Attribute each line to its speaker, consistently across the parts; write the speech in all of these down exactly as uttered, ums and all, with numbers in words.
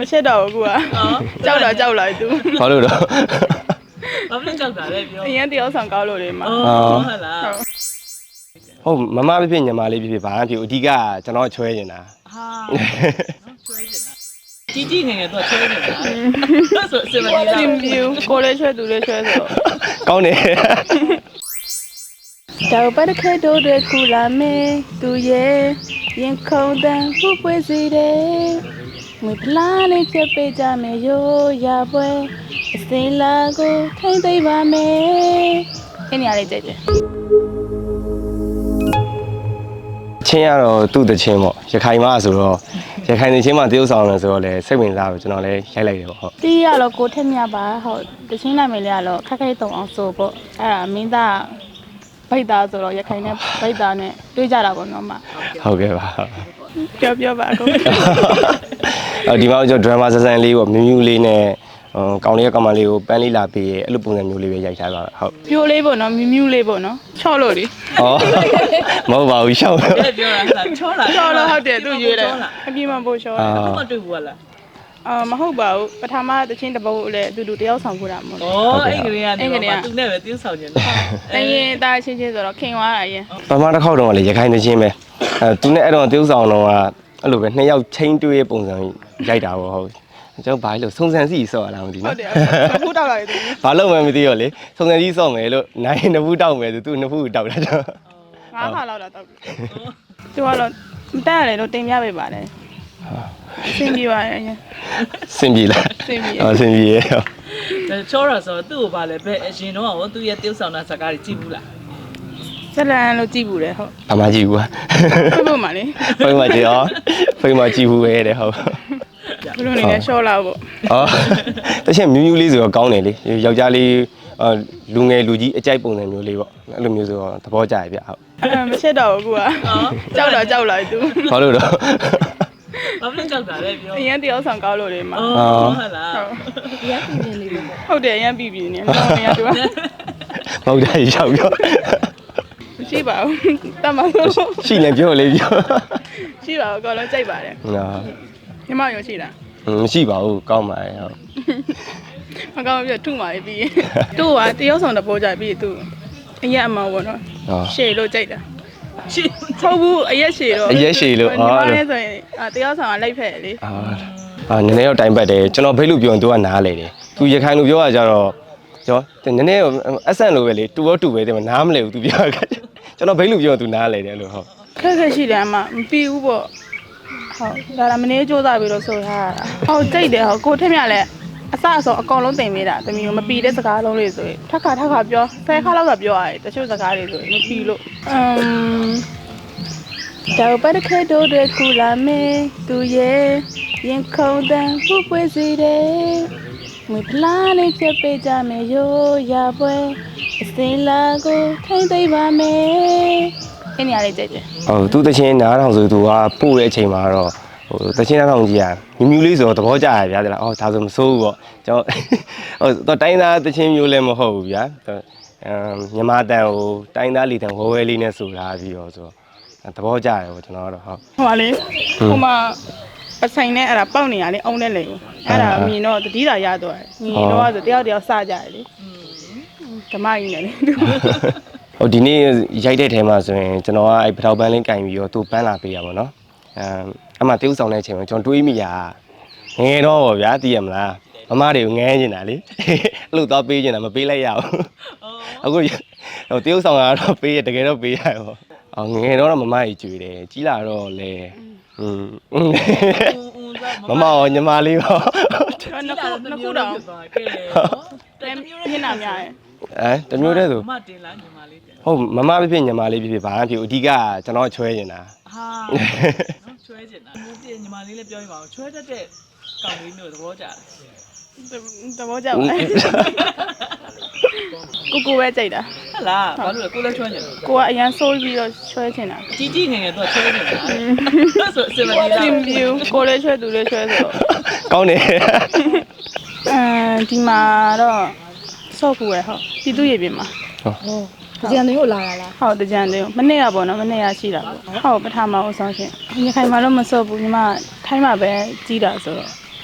Speaker 1: ချက်တော့ကူอ่ะကြောက်တော့ကြောက်လိုက်သူ
Speaker 2: ဘာလို့တော့
Speaker 3: ဘာဖြစ်ကြောက်တာလဲပြော
Speaker 1: အရင်တယောက်ဆောင်ကောက်လို့လေမှာ
Speaker 3: ဟုတ်လား
Speaker 2: ဟုတ်မမဖြစ်ဖြစ်ညီမလေးဖြစ်ဖြစ်ဘာမှဖြစ်အဓိကကျွန်တော်ချွဲနေတာ
Speaker 3: ဟာချွဲနေတာကြီးကြီးငယ်ငယ်တော့ချွဲနေတာဆိုစင်မကြီးလား
Speaker 1: ကိုလေးချွဲသူလေးချွဲဆိုတော့
Speaker 2: ကောင်းတယ်
Speaker 1: တောက်ပတ်ခဲတို့တွေကူလာမေးသူရဲ့ရင်ခုန်တန်ပူပွေးစီတယ်ငွေဖလားလေးချက်ပေးကြမယ်ရိုးရပွဲအစင်းလာကိုထိမ့်သိမ့်ပါမယ်အဲ့နေရာလေးကြိုက်တယ်
Speaker 2: ချင်းရတော့သူ့တချင်းပေါ့ရခိုင်မဆိုတော့ရခိုင်တချင်းမှတရုပ်ဆောင်တယ်ဆိုတော့လေစိတ်ဝင်စားလို့ကျွန်တော်လည်းရိုက်လိုက်တယ်ပေါ့ဟုတ်
Speaker 1: တီးရတော့ကိုထက်မြပါဟုတ်တချင်းနိုင်မယ်လေကတော့ခက်ခဲတုံအောင်ဆိုပေါ့အဲ့ဒါမင်းသားဗိတ်သားဆိုတော့ရခိုင်နဲ့ဗိတ်သားနဲ့တွေ့ကြတာပေါ့နော်မ
Speaker 2: ဟုတ်ကဲ့ပါ
Speaker 1: ပြောပြောပါအကုန်
Speaker 2: အော်ဒီမှာကျွန်တော် drama ဆဆန်လေးပေါ့မြူးမြူးလေးနဲ့ကောင်လေးကကောင်မလေးကိုပန်းလေးလာပေးရဲ့အဲ့လိုပုံစံမျိုးလေးပဲရိုက်ထားပါဟုတ်
Speaker 1: ပြိုးလေးပေါ့နော်မြူးမြူးလေးပေါ့နော်ချော့လို့လေ
Speaker 2: ဩမဟုတ်ပါဘူးရှောက်
Speaker 3: ပြောတာချောလား
Speaker 1: ချော့လို့ဟုတ်တယ်သူရွေးတယ်အပြင်းမပို့ချော့
Speaker 3: တယ်မတွေ့ဘူးလား
Speaker 1: အာမဟုတ်ပါဘူးပထမတချင်းတပုတ်လည်းအတူတူတယောက်ဆောင်ခုတာမဟုတ်
Speaker 3: ဘူးဩအဲ့ကလေးကနေပါသူနဲ့ပဲတင်းဆောင်နေတယ်
Speaker 1: အရင်သားချင်းချင်းဆိုတော့ခင်သွားတာအရင်
Speaker 2: ပထမတစ်ခေါက်တော့လေရခိုင်တချင်းပဲအဲသူနဲ့အဲ့တော့တရုပ်ဆောင်တော့အဲ့လိုပဲနှစ်ယောက်ချင်းတွေးပုံစံရိုက်တာပေါ့ဟုတ်ကျွန်တော်ဘာလို့စုံစံစီဆော့ရလားမသိ
Speaker 1: နော်ဟုတ်တယ်ဖူးတောက်လာတယ်သူ
Speaker 2: ဘာလို့မှမသိရောလေစုံစံစီဆော့မယ်လို့နိုင်နှစ်ဖူးတောက်မယ်ဆိုသူနှစ်ဖူးတောက်တာကျွန်တော်
Speaker 1: ငါးခါလောက်တော့တောက်တယ်သူကတော့မတက်ရတယ်လို့တင်ပြပေးပါတယ်စင်ပြေပါရဲ့
Speaker 2: စင်ပြေလား
Speaker 1: စင်ပြေ
Speaker 2: အော်စင်ပြေရဲ့
Speaker 3: ချောရဆိုသူ့ကိုပါလဲဘယ်အရင်တော့ဟောသူ့ရဲ့တရုပ်ဆောင်တာစကားကြီးကြည့်ဘူးလား
Speaker 1: ဇလန်လို့ကြည့်ဘူးလေဟုတ်
Speaker 2: အမကြည့်ဘူး
Speaker 1: ဖိဖို့မှာလေ
Speaker 2: ဖိမှာကြည့်ရောဖိမှာကြည့်ဘူးပဲတဲ့ဟုတ်
Speaker 1: ဘလို့နေလဲရှော့လာပေါ့
Speaker 2: အော်တချင်မြူးမြူးလေးဆိုတော့ကောင်းတယ်လေယောက်ျားလေးလူငယ်လူကြီးအကြိုက်ပုံစံမျိုးလေးပေါ့အဲ့လိုမျိုးဆိုတော့သဘောကျရပြဟုတ်
Speaker 1: အဲမချက်တော့ဘူးကွာကြောက်တော့ကြောက်လိုက်သူ
Speaker 2: ဘာလို့တော့
Speaker 3: ဘာဖြစ်ကြောက်တာလဲပြော
Speaker 1: အရင်တယောက်ဆောင်ကောက်လို့လေမှာ
Speaker 3: ဟုတ်လား
Speaker 1: ရမ်းပြင်းလေးပေါ့ဟုတ်တယ်ရမ်းပြင်းပြင်းနေမဟုတ်ရတူ
Speaker 2: မဟုတ်တယ်ရောက်ပြော
Speaker 1: ရှိပါဘူးတမန်လို့
Speaker 2: ရှိနေပြောလေပြော
Speaker 1: ရှိပါဘူးအကောင်လုံးကြိုက်ပါတယ်
Speaker 2: နော်
Speaker 1: ညီမရောရှိလား
Speaker 2: မရှိပါဘူးကောင်းပါတယ်ဟုတ်
Speaker 1: မကောင်းပြထုမာပြီးသူ့ကတယောက်ဆောင်တပိုးကြပြီးသူအရက်အမောပေါ့နော်ရှေ့လို့ကြိုက်တာရှေ့ဟုတ်ဘူးအရက်ရှေ့တော့
Speaker 2: အရက်ရှေ့လို့
Speaker 1: အော်ညီမလည်းဆိုရင်တယောက်ဆောင်ကလိုက်ဖက်လေ
Speaker 2: အာအာနည်းနည်းတော့တိုင်ပတ်တယ်ကျွန်တော်ဖိတ်လို့ပြောရင်သူကနားလေတယ်သူရခိုင်လို့ပြောရကြတော့ကျွန်တော်နည်းနည်းအဆန့်လို့ပဲလေတူတော့တူပဲတယ်နားမလဲဘူးသူပြောတာကျွန်တော်ဖိတ်လို့ပြောရင်သူနားလေတယ်လို့ဟုတ်
Speaker 1: ခက်ခက်ရှိတယ်အမမပြီးဘူးပေါ့ဟုတ်ဒါကမနေစူးစမ်းပြီးတော့ဆိုထားတာဟုတ်ကြိတ်တယ်ဟုတ်ကိုထက်မြလည်းအစအစောအကောင်လုံးတင်ပေးတာတမီးမပီတဲ့စကားလုံးလေးဆိုရင်ထက်ခါထက်ခါပြောဆယ်ခါလောက်ကပြောရတယ်တချို့စကားတွေဆိုရင်မပီလို့အမ်တောက်ပတ်ခဲတို့တွေကူလာမေးသူရဲ့ရင်ခုန်တန်ပူပွေးစီတယ်ငွေဖလားလေးချက်ပေးကြမယ်ရိုးရပွဲအစင်းလာကိုထိမ့်သိမ့်ပါမယ်အဲ့နေရာလေးကြိုက်တယ်
Speaker 2: ဟုတ်သူတချင်းနားထောင်ဆိုသူကပို့တဲ့အချိန်မှာတော့ဟိုတချင်းနားထောင်ကြီးอ่ะမြူးမြူးလေးဆိုတော့သဘောကျရဗျာတဲ့လားအော်ဒါဆိုမစိုးဘူးပေါ့ကျွန်တော်ဟိုတော့တိုင်းသားတချင်းမျိုးလည်းမဟုတ်ဘူးဗျာအမ်မြန်မာတန်ဟိုတိုင်းသားလီတန်ဝဲဝဲလေးနဲ့ဆိုလာပြီးတော့ဆိုတော့သဘောကျတယ်ပေါ့ကျွန်တော်ကတော့ဟုတ်
Speaker 1: ဟိုပါလေဟိုမှာပဆိုင်နဲ့အဲ့ဒါပေါက်နေရလေအုံးနဲ့လေအဲ့ဒါမြင်တော့တတိတာရတော့မြင်တော့ဆိုတယောက်တယောက်စကြတယ်လေဓမ္မကြီးနဲ့လေ
Speaker 2: ဟိုဒီနေ့ရိုက်တဲ့ထဲမှာဆိုရင်ကျွန်တော်ကအဲ့ပထောက်ပန်းလေးကင်ပြီးတော့သူ့ပန်းလာပေးရပါတော့အမ်အမှတရုပ်ဆောင်တဲ့အချိန်မှာကျွန်တော်တွေးမိရငယ်တော့ဗောဗျာသိရမလားမမတွေကိုငဲနေတာလေအဲ့လိုတော့ပေးနေတာမပေးလိုက်ရဘူးအခုဟိုတရုပ်ဆောင်ကတော့ပေးရတကယ်တော့ပေးရဗောအော်ငယ်တော့မမကြီးကြွေတယ်ကြီးလာတော့လေอืมမမရောညီမလေးရော
Speaker 1: နှစ်ခုနှစ်ခုတော့ကဲတယ်မျက်နှာများရဲ့
Speaker 2: အဲတမျိုးတည်းဆို
Speaker 3: မတင်လားညီမလေးတင်
Speaker 2: ဟုတ်မမဖြစ်ဖြစ်ညီမလေးဖြစ်ဖြစ်ဘာမှဖြစ်အဓိကကျွန်တော်ချွဲနေတာ
Speaker 3: ဟာနော်ချွဲနေတာမျိုးတင်ညီမလေးလည်းပြောပြပါဦးချွဲတတ်တဲ့ကောင်လေးမျိုးသဘောကျတယ်
Speaker 1: သဘောကျပါကိုကိုပဲကြိုက်တာ
Speaker 3: ဟုတ်လားဘာလို့လဲကိုလည်းချွဲနေတယ်
Speaker 1: ကိုကအရန်ဆိုးပြီးတော့ချွဲချင်တာ
Speaker 3: ကြီးကြီးငယ်ငယ်တော့ချွဲနေတာဆိုစင်မကြီး
Speaker 1: လားကိုလည်းချွဲသူလည်းချွဲဆိုတော့
Speaker 2: ကောင်းတယ်
Speaker 1: အဲဒီမှာတော့ဆော့ကူရဟုတ်ပြည်သူရေပြင်မှာ
Speaker 4: ဟုတ်တကြံတွေကိုလာတာလား
Speaker 1: ဟုတ်တကြံတွေကိုမနေ့ကပေါ့နော်မနေ့ကရှိတာပေါ့ဟုတ်ပထမအောင်ဆောင်ရှင်ညီခိုင်မှာတော့မဆော့ဘူးညီမထိုင်းမှာပဲကြီးတာဆိုတော့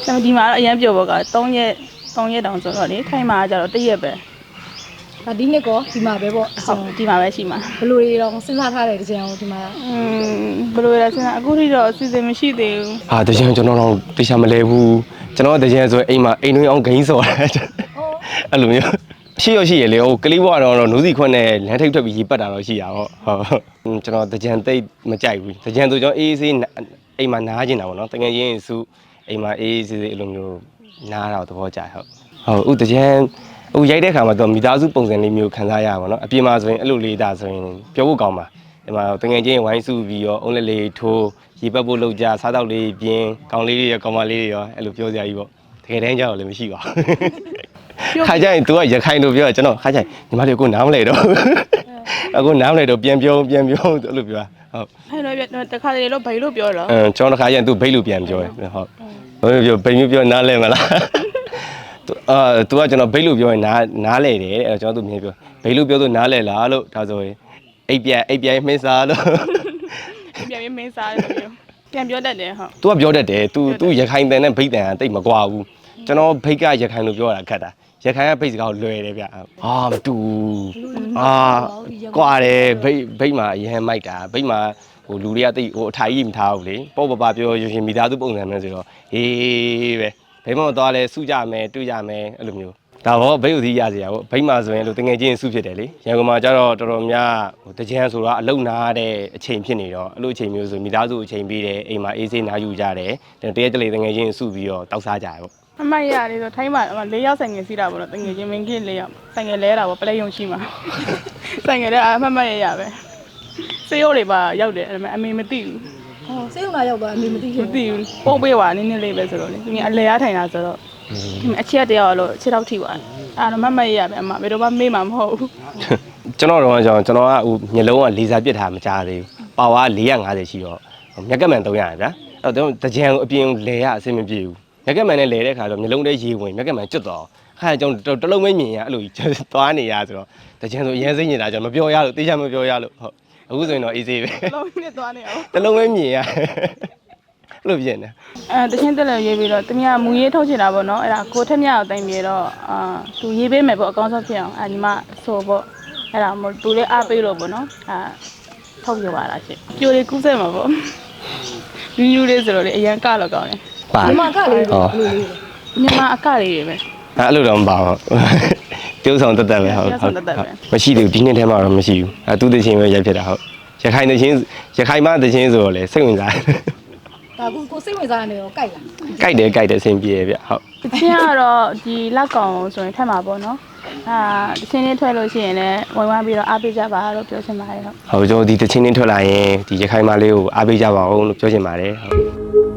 Speaker 1: ဒါဒီမှာတော့အရင်ပြောပေါ့က3ရက်3ရက်တောင်ဆိုတော့လေခိုင်းမှာကြတော့1ရက်ပဲ
Speaker 4: ဒါဒီနှစ်ကောဒီမှာပဲပေါ့
Speaker 1: ဟုတ်ဒီမှာပဲရှိမှာ
Speaker 4: ဘယ်လိုတွေတော့စဉ်းစားထားတယ်တကြံကိုဒီမှာ
Speaker 1: อืมဘယ်လိုလဲစဉ်းစားအခုထိတော့အစီအစဉ်မရှိသေးဘူး
Speaker 2: ဟာတကြံကျွန်တော်တော့တေချာမလဲဘူးကျွန်တော်တကြံဆိုအိမ်မှာအိမ်တွင်းအောင်ဂိမ်းစော်တယ်အဲ့လိုမျိုးရှိရရှိရလေဟိုကလေးဘွားတော့နိုးစီခွန်းနဲ့လမ်းထိပ်ထွက်ပြီးရေပတ်တာတော့ရှိရပါဟုတ်ကျွန်တော်တကြံသိမကြိုက်ဘူးတကြံဆိုကျွန်တော်အေးအေးဆေးအိမ်မှာနားကျင်တာပေါ့နော်တကယ်ချင်းစုအိမ်မှာအေးအေးဆေးဆေးအဲ့လိုမျိုးနားတာသဘောကျဟုတ်ဟုတ်ဥတကြံဟိုရိုက်တဲ့ခါမှာတော့မိသားစုပုံစံလေးမျိုးခံစားရပါတော့အပြင်မှာဆိုရင်အဲ့လိုလေးဒါဆိုရင်ပြောဖို့ကောင်းပါဒီမှာတကယ်ချင်းဝိုင်းစုပြီးရောအုံးလေးလေးထိုးရေပတ်ဖို့လောက်ကြစားတော့လေးပြင်းကောင်းလေးတွေရောကောင်းမလေးတွေရောအဲ့လိုပြောစရာကြီးပေါ့တကယ်တမ်းကျတော့လည်းမရှိပါဘူးခါကျရင် तू ကရခိုင်လို့ပြောကျွန်တော်ခါကျရင်ညီမလေးကိုနားမလဲတော့အခုနားမလဲတော့ပြန်ပြောပြန်ပြောအဲ့လိုပြောဟုတ်
Speaker 1: အဲ့တော့တခါတလေတော့ဘယ်လိုပြောတော့
Speaker 2: အင်းကျွန်တော်တခါကျရင် तू ဘိတ်လို့ပြန်ပြောတယ်ဟုတ်ဘယ်လိုပြောဘိတ်မျိုးပြောနားလဲမလားအာ तू ကကျွန်တော်ဘိတ်လို့ပြောရင်နားနားလဲတယ်တဲ့အဲ့တော့ကျွန်တော် तू မြင်ပြောဘိတ်လို့ပြောလို့နားလဲလားလို့ဒါဆိုရင်အိပ်ပြန်အိပ်ပြန်မင်းစားလို့
Speaker 1: ပြန်ပြီးမင်းစားတယ်လို့ပြန်ပြောတတ်တယ်ဟုတ်
Speaker 2: तू ကပြောတတ်တယ် तू तू ရခိုင်တန်နဲ့ဘိတ်တန်ကတိတ်မကွာဘူးကျွန်တော်ဘိတ်ကရခိုင်လို့ပြောတာခက်တာရခိုင်ကဘိတ်စကားကိုလွယ်တယ်ဗျအာမတူအာကွာတယ်ဘိတ်ဘိတ်မှာအရင်မိုက်တာဘိတ်မှာဟိုလူတွေကတိတ်ဟိုအထိုင်ကြီးမထားဘူးလေပေါ့ပပပြောရရှင်မိသားစုပုံစံမျိုးဆိုတော့ဟေးပဲဘိတ်မတော့လဲစုကြမယ်တွေ့ကြမယ်အဲ့လိုမျိုးဒါတော့ဘိတ်ဥသီးရစရာပေါ့ဘိတ်မှာဆိုရင်လို့တငယ်ချင်းစုဖြစ်တယ်လေရန်ကုန်မှာကျတော့တော်တော်များဟိုတကြံဆိုတော့အလုံနာတဲ့အချိန်ဖြစ်နေတော့အဲ့လိုအချိန်မျိုးဆိုမိသားစုအချိန်ပေးတယ်အိမ်မှာအေးဆေးနားယူကြတယ်တရက်တလေတငယ်ချင်းစုပြီးတော့တောက်စားကြရပေါ့
Speaker 1: အမရလေးဆိုထိုင်းမှာ၄ယောက်ဆိုင်ငယ်စီးတာပေါ့နော်တငယ်ချင်းမင်းကြီး၄ယောက်ဆိုင်ငယ်လဲတာပေါ့ပလဲယုံရှိမှာဆိုင်ငယ်လဲအမမရရပဲစေရိုးတွေပါရောက်တယ်အဲ့ဒါအမေမသိဘူး
Speaker 4: ဟောစိတ်ဝင်လာရောက်သွားအမေမသိ
Speaker 1: မ
Speaker 4: ဘူး
Speaker 1: သိဘူးပုံပေးပါနည်းနည်းလေးပဲဆိုတော့လေသူကအလဲရထိုင်တာဆိုတော့အချက်တယောက်လို့ခြေထောက်ထိသွားအဲ့တော့မမရရပဲအမဘယ်တော့မှမေ့မှာမဟုတ်ဘူး
Speaker 2: ကျွန်တော်တော့ကျွန်တော်ကျွန်တော်ကဟိုမျက်လုံးကလေဆာပစ်ထားမကြားသေးဘူးပါဝါ၄၅၀ရှိတော့မျက်ကမှန်၃၀၀ဗျာအဲ့တော့တကြံအပြင်လဲရအဆင်မပြေဘူးမျက်ကမှန်နဲ့လဲတဲ့ခါတော့မျက်လုံးထဲရေဝင်မျက်ကမှန်ကျွတ်တော့ခါကျွန်တော်တလုံးမမြင်ရအဲ့လိုသွားနေရဆိုတော့တကြံဆိုအရင်စိတ်ညစ်တာကျွန်တော်မပြောရလို့တေးချမပြောရလို့ဟုတ်အခုဆိုရင်တော့ easy ပဲ
Speaker 1: လုံးနဲ့သွားနေအောင်
Speaker 2: တလုံးပဲမြင်ရအဲ့လိုပြင်နေ
Speaker 1: အဲတချင်းတက်လည်းရေးပြီးတော့တမကမူရေးထုတ်ချင်တာပေါ့နော်အဲ့ဒါကိုထက်မြအောင်တိုင်ပြီးတော့အာသူရေးပေးမယ်ပေါ့အကောင်းဆုံးဖြစ်အောင်အဲညီမဆိုပေါ့အဲ့ဒါမို့သူလည်းအားပေးလို့ပေါ့နော်အာထုတ်ပြပါလားရှင်ပြိုလေးကူးစက်မှာပေါ့ညူးညူးလေးဆိုတော့လေအရန်ကတော့ကောင်းတယ်
Speaker 2: ပါ
Speaker 4: ဒီမှာကလေးတွေဘယ်လိုလေး
Speaker 1: ညီမအကလေးတွေပဲ
Speaker 2: အဲ့လိုတော့မပါဘူးပြုံးဆောင်တက်တက်ပဲဟုတ်မရှိသေးဘူးဒီနှစ်ထဲမှာတော့မရှိဘူးအဲသူတချင်းပဲရိုက်ဖြစ်တာဟုတ်ရခိုင်တချင်းရခိုင်မတချင်းဆိုတော့လေစိတ်ဝင်စား
Speaker 4: ဒါကိုကိုစိတ်ဝင်စားနေရောကြိုက်လား
Speaker 2: ကြိုက်တယ်ကြိုက်တယ်အဆင်ပြေဗျဟုတ်
Speaker 1: တချင်းကတော့ဒီလက်ကောင်ဆိုရင်ထက်မှာပေါ့နော်အာတချင်းလေးထွက်လို့ရှိရင်လည်းဝင်ဝမ်းပြီးတော့အားပေးကြပါလို့ပြောချင်ပါတယ်ဟုတ်
Speaker 2: ဟုတ်ကျွန်တော်ဒီတချင်းချင်းထွက်လာရင်ဒီရခိုင်မလေးကိုအားပေးကြပါအောင်လို့ပြောချင်ပါတယ်ဟုတ်